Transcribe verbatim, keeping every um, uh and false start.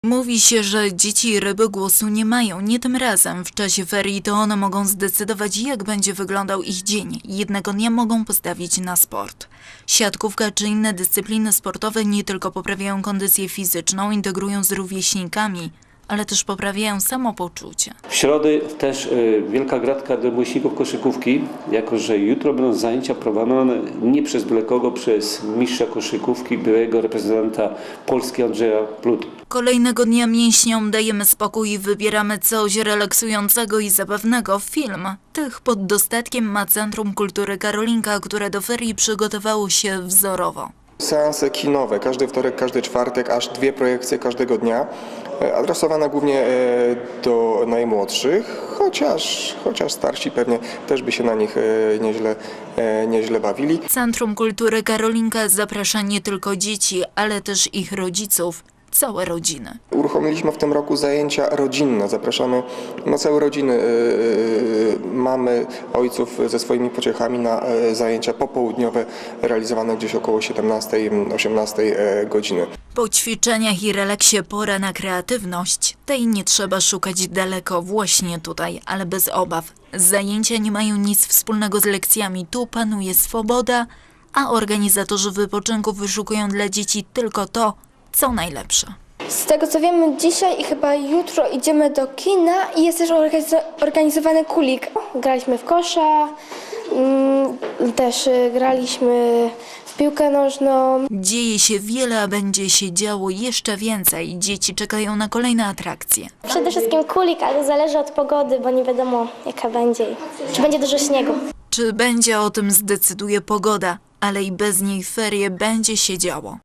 Mówi się, że dzieci i ryby głosu nie mają, nie tym razem. W czasie ferii to one mogą zdecydować, jak będzie wyglądał ich dzień. Jednego dnia mogą postawić na sport. Siatkówka czy inne dyscypliny sportowe nie tylko poprawiają kondycję fizyczną, integrują z rówieśnikami, ale też poprawiają samopoczucie. W środę też y, wielka gratka do miłośników koszykówki, jako że jutro będą zajęcia prowadzone nie przez byle kogo, przez mistrza koszykówki, byłego reprezentanta Polski Andrzeja Plut. Kolejnego dnia mięśniom dajemy spokój i wybieramy coś relaksującego i zabawnego. Film tych pod dostatkiem ma Centrum Kultury Karolinka, które do ferii przygotowało się wzorowo. Seanse kinowe, każdy wtorek, każdy czwartek, aż dwie projekcje każdego dnia, adresowane głównie do najmłodszych, chociaż, chociaż starsi pewnie też by się na nich nieźle, nieźle bawili. Centrum Kultury Karolinka zaprasza nie tylko dzieci, ale też ich rodziców, całe rodziny. Uruchomiliśmy w tym roku zajęcia rodzinne. Zapraszamy na całe rodziny, mamy ojców ze swoimi pociechami na zajęcia popołudniowe realizowane gdzieś około siedemnastej osiemnastej godziny. Po ćwiczeniach i relaksie pora na kreatywność. Tej nie trzeba szukać daleko, właśnie tutaj, ale bez obaw. Zajęcia nie mają nic wspólnego z lekcjami. Tu panuje swoboda, a organizatorzy wypoczynku wyszukują dla dzieci tylko to, co najlepsze. Z tego co wiemy, dzisiaj i chyba jutro idziemy do kina i jest też organizowany kulik. Graliśmy w kosza, też graliśmy w piłkę nożną. Dzieje się wiele, a będzie się działo jeszcze więcej. Dzieci czekają na kolejne atrakcje. Przede wszystkim kulik, ale zależy od pogody, bo nie wiadomo jaka będzie. Czy będzie dużo śniegu. Czy będzie, o tym zdecyduje pogoda, ale i bez niej ferie będzie się działo.